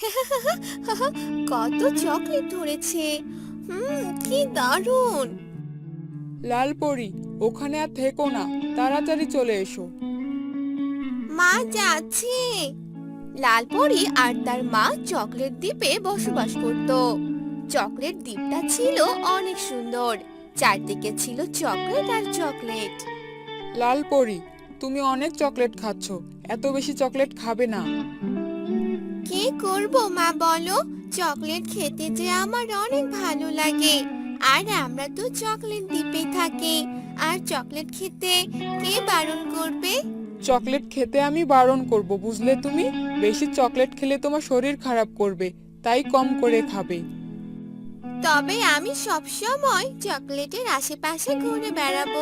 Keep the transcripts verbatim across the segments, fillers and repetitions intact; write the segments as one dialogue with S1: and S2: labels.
S1: কত চকলেট ধরেছে। হুম, কি দারুণ।
S2: লালপরি, ওখানে আর থেকো না, তাড়াতাড়ি চলে এসো।
S1: মা, যাচ্ছে। লালপরি আর তার মা চকলেট দ্বীপে বসবাস করত। চকলেট দ্বীপটা ছিল অনেক সুন্দর। চারদিকে ছিল চকলেট আর চকলেট।
S2: লালপরি, তুমি অনেক চকলেট খাচ্ছ, এত বেশি চকলেট খাবে না।
S1: কি করব মা, বলো? চকলেট খেতে যে আমার অনেক ভালো লাগে। আর আমরা তো চকলেট দ্বীপে থাকি। আর চকলেট খেতে কে বারণ করবে?
S2: চকলেট খেতে আমি বারণ করব, বুঝলে? তুমি বেশি চকলেট খেলে তোমার শরীর খারাপ করবে, তাই কম করে খাবে।
S1: তবে আমি সব সময় চকলেটের আশেপাশে ঘুরে বেড়াবো।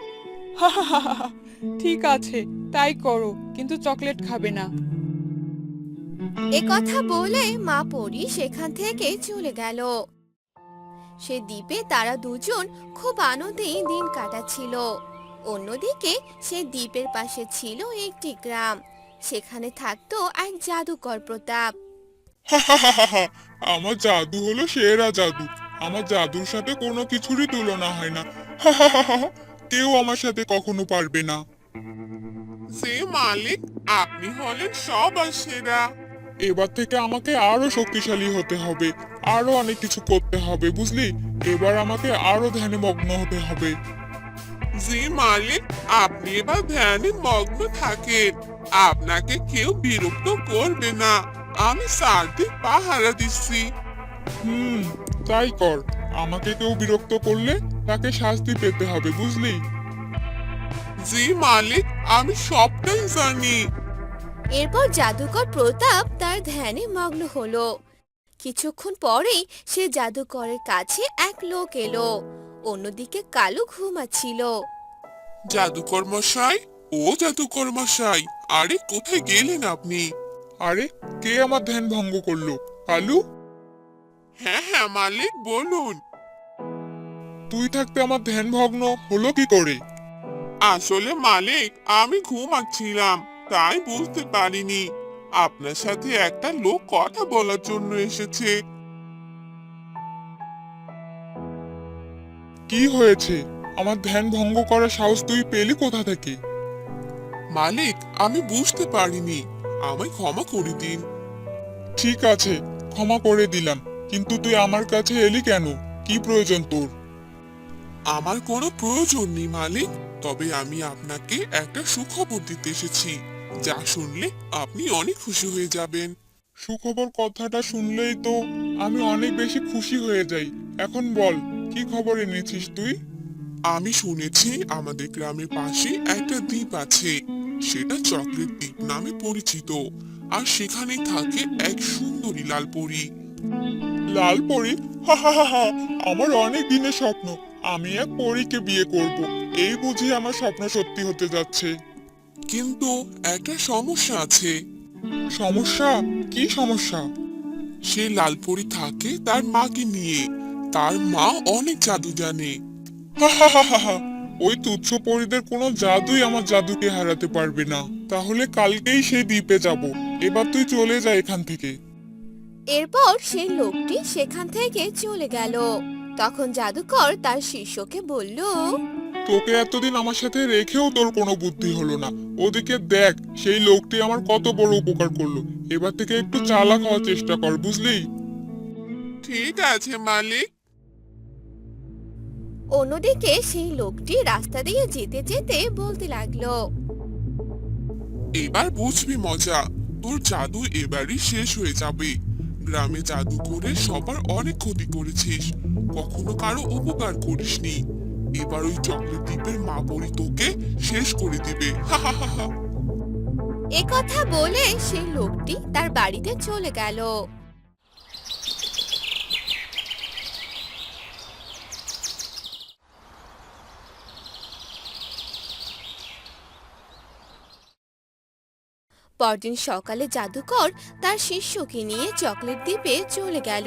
S2: ঠিক আছে, তাই করো, কিন্তু চকলেট খাবে না।
S1: এ কথা বলে মা পরী সেখান থেকে চলে গেল। সে দ্বীপে তারা দুজন খুব আনন্দেই দিন কাটাচ্ছিল। অন্যদিকে সে দ্বীপের পাশে ছিল একটি গ্রাম। সেখানে থাকতো এক জাদুকর প্রতাপ।
S3: আমার জাদু হলো সেরা জাদু। আমার জাদুর সাথে কোনো কিছুরই তুলনা হয় না। কেউ আমার সাথে কখনো পারবে না।
S4: সে মালিক, আপনি হলেন সবার সেরা।
S3: এবার থেকে আমাকে আরো শক্তিশালী হতে হবে, আরো অনেক কিছু করতে হবে, বুঝলি? এবার আমাকে আরো ধ্যানে মগ্ন হতে হবে।
S4: জি মালিক, আপনি এবার ধ্যানে মগ্ন থাকেন। আপনাকে কেউ বিরক্ত করবে না। আমি সারাদিন পাহারা দিচ্ছি।
S3: হুম, তাই কর। আমাকে কেউ বিরক্ত করলে তাকে শাস্তি পেতে হবে, বুঝলি?
S4: জি মালিক, আমি সবটাই জানি।
S1: এরপর জাদুকর প্রতাপ তার ধ্যানে মগ্ন হলো। কিছুক্ষণ পরেই সে জাদুকরের কাছে এক লোক এলো। অন্যদিকে কালু ঘুমাচ্ছিল।
S4: জাদুকর মশাই, ও জাদুকর মশাই, আরে কোথায় গেলেন আপনি?
S3: আরে, কে আমার ধ্যান ভঙ্গ করলো? কালু,
S4: হ্যাঁ হ্যাঁ মালিক, বলুন।
S3: তুই থাকতে আমার ধ্যান ভগ্ন হলো কি করে?
S4: আসলে মালিক, আমি ঘুমাচ্ছিলাম, তাই বুঝতে পারিনি। আপনার সাথে একটা লোক কথা বলার জন্য এসেছে।
S3: কি হয়েছে? আমার ধ্যান ভঙ্গ করার সাহস তুই পেলি কোথা থেকে?
S4: মালিক, আমি বুঝতে পারিনি, আমায় ক্ষমা করে দিন।
S3: ঠিক আছে, ক্ষমা করে দিলাম, কিন্তু তুই আমার কাছে এলি কেন? কি প্রয়োজন তোর?
S4: আমার কোনো প্রয়োজন নেই মালিক, তবে আমি আপনাকে একটা সুখবর দিতে এসেছি, যা শুনলে আপনি অনেক খুশি হয়ে যাবেন।
S3: সুখবর কথাটা শুনলেই তো আমি অনেক বেশি খুশি হয়ে যাই। এখন বল, কি খবর এনেছিস তুই?
S4: আমি শুনেছি আমাদের গ্রামের পাশে একটা দ্বীপ আছে। সেটা চকলেট দ্বীপ নামে পরিচিত। আর সেখানে থাকে এক সুন্দরী লাল পরী।
S3: লাল পরী? হা হা হা হা, আমার অনেক দিনের স্বপ্ন। আমি এক পরীকে বিয়ে করব। এই বুঝি আমার স্বপ্ন সত্যি হতে যাচ্ছে।
S4: কিন্তু একটা সমস্যা আছে।
S3: সমস্যা? কি সমস্যা?
S4: সে লাল পরী থাকে তার মাকে নিয়ে। তার মা অনেক জাদু জানে।
S3: হা হা হা হা হা, ওই তুচ্ছ পরীদের কোনো জাদুই আমার জাদুকে হারাতে পারবে না। তাহলে কালকেই সেই দ্বীপে যাব। এবার তুই চলে যা এখান থেকে।
S1: এরপর সেই লোকটি সেখান থেকে চলে গেল। তখন জাদুকর তার শিষ্যকে বলল,
S3: তোকে এতদিন আমার সাথে রেখেও তোর কোনো বুদ্ধি হলো না। ওদিকে দেখ, সেই লোকটি আমার কত বড় উপকার করলো। এবার থেকে একটু চালাক হওয়ার চেষ্টা কর, বুঝলি?
S4: ঠিক আছে মালিক।
S1: অন্যদিকে সেই লোকটি রাস্তা দিয়ে যেতে যেতে বলতে লাগলো,
S4: এবার বুঝবি মজা। তোর জাদু এবারই শেষ হয়ে যাবে। গ্রামে জাদু করে সবার অনেক ক্ষতি করেছিস, কখনো কারো উপকার করিসনি। এবার ওই চকলেট দ্বীপের মা পরি তোকে শেষ করে দিবে। হা হা হা হা।
S1: এ কথা বলে সেই লোকটি তার বাড়িতে চলে গেল। পরদিন সকালে জাদুকর তার শিষ্যকে নিয়ে চকলেট দ্বীপে চলে গেল।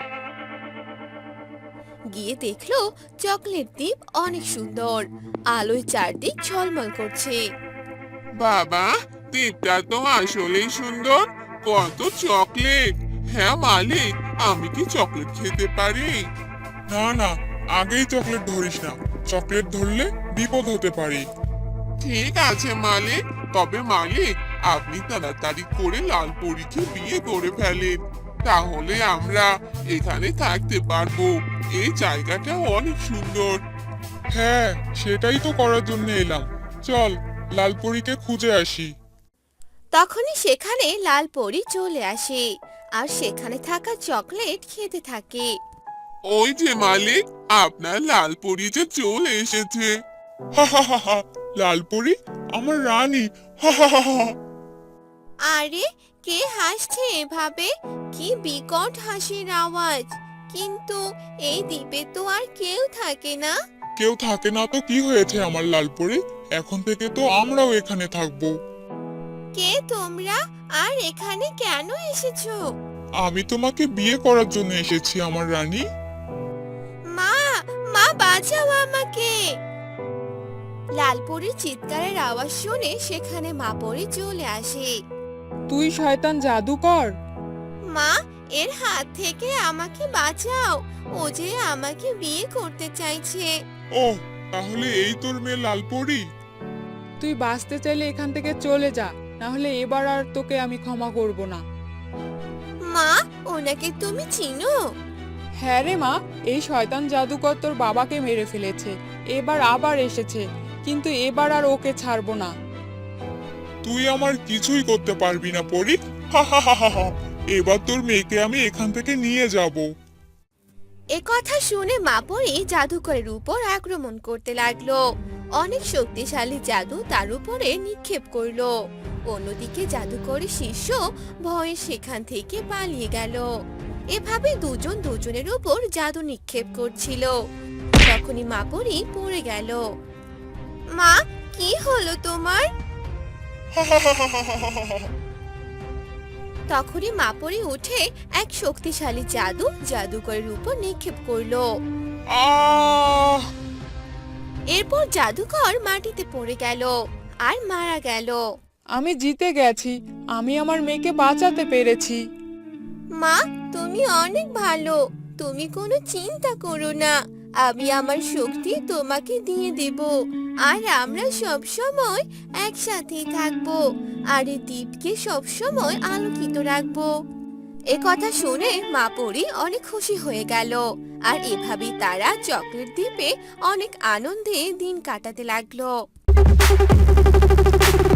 S1: গিয়ে দেখলো চকলেট দ্বীপ অনেক সুন্দর, আলোয় চারদিক ঝলমল করছে।
S4: বাবা, দ্বীপটা তো আসলেই সুন্দর। কত চকলেট! হ্যাঁ মালিক, আমি কি চকলেট খেতে পারি?
S3: না না, আগেই চকলেট ধরিস না, চকলেট ধরলে বিপদ হতে পারে।
S4: ঠিক আছে মালিক, তবে মালিক আপনি তাড়াতাড়ি করে লাল পরীকে বিয়ে করে ফেলেন, তাহলে আমরা এখানে থাকতে পারবো। এই জায়গাটা অনেক সুন্দর।
S3: হ্যাঁ, সেটাই তো করার জন্য এলাম। চল, লালপরীকে খুঁজে আসি।
S1: তখনই সেখানে লাল পরী চলে আসে আর সেখানে থাকা চকলেট খেতে থাকে।
S4: ওই যে মালিক, আপনার লাল পরী যে চলে এসেছে।
S3: হা হা হা হা, লালপরী আমার রানী। হা হা হা হা।
S1: আরে, কে হাসছে এভাবে? কি বিকট হাসির আওয়াজ! কিন্তু এই দ্বীপে তো আর কেউ থাকে না।
S3: কেউ থাকে না তো কি হয়েছে আমার লালপরী? এখন থেকে তো আমরাও এখানে থাকবো।
S1: কে তোমরা, আর এখানে কেন এসেছো?
S3: আমি তোমাকে বিয়ে করার জন্য এসেছি আমার রানী।
S1: মা, মা বাঁচাও আমাকে! লালপরীর চিৎকারের আওয়াজ শুনে সেখানে মা পরী চলে আসে।
S2: তুই শয়তান জাদুকর!
S1: মা, এর হাত থেকে আমাকে বাঁচাও, ও যে আমাকে বিয়ে করতে চাইছে।
S3: ও, তাহলে এই তোর মেয়ে লালপরী?
S2: তুই বাঁচতে চাইলে এখান থেকে চলে যা, না হলে এবার আর তোকে আমি ক্ষমা করব না।
S1: মা, ওনাকে তুমি চিনো?
S2: হ্যাঁ রে মা, এই শয়তান জাদুকর তোর বাবাকে মেরে ফেলেছে, এবার আবার এসেছে, কিন্তু এবার আর ওকে ছাড়বো না।
S3: তুই আমার কিছুই করতে পারবি না পরী। হা হা হা হা হা। এবার তোর মেয়েকে আমি এখান থেকে নিয়ে যাব।
S1: এ কথা শুনে মা পরী জাদুকরের উপর আক্রমণ করতে লাগলো। অনেক শক্তিশালী জাদু তার উপরে নিক্ষেপ করলো। অন্যদিকে জাদুকরের শিষ্য ভয়ে সেখান থেকে পালিয়ে গেল। এভাবে দুজন দুজনের উপর জাদু নিক্ষেপ করছিল। তখনই মা পরী পড়ে গেল। মা, কি হলো তোমার?
S3: হা হা হা হা হা হা হা।
S1: তখনই মা পরী উঠে এক শক্তিশালী জাদু জাদুকরের উপর নিক্ষেপ করলো।
S3: আহ!
S1: এরপর জাদুকর মাটিতে পড়ে গেল আর মারা গেল।
S2: আমি জিতে গেছি, আমি আমার মেয়েকে বাঁচাতে পেরেছি।
S1: মা, তুমি অনেক ভালো, তুমি কোনো চিন্তা করো না, আমি আমার শক্তি তোমাকে দিয়ে দেব, আর আমরা সব সময় একসাথেই থাকবো, আর এই দ্বীপকে সব সময় আলোকিত রাখবো। এ কথা শুনে মা পরী অনেক খুশি হয়ে গেল, আর এভাবেই তারা চকলেট দ্বীপে অনেক আনন্দে দিন কাটাতে লাগলো।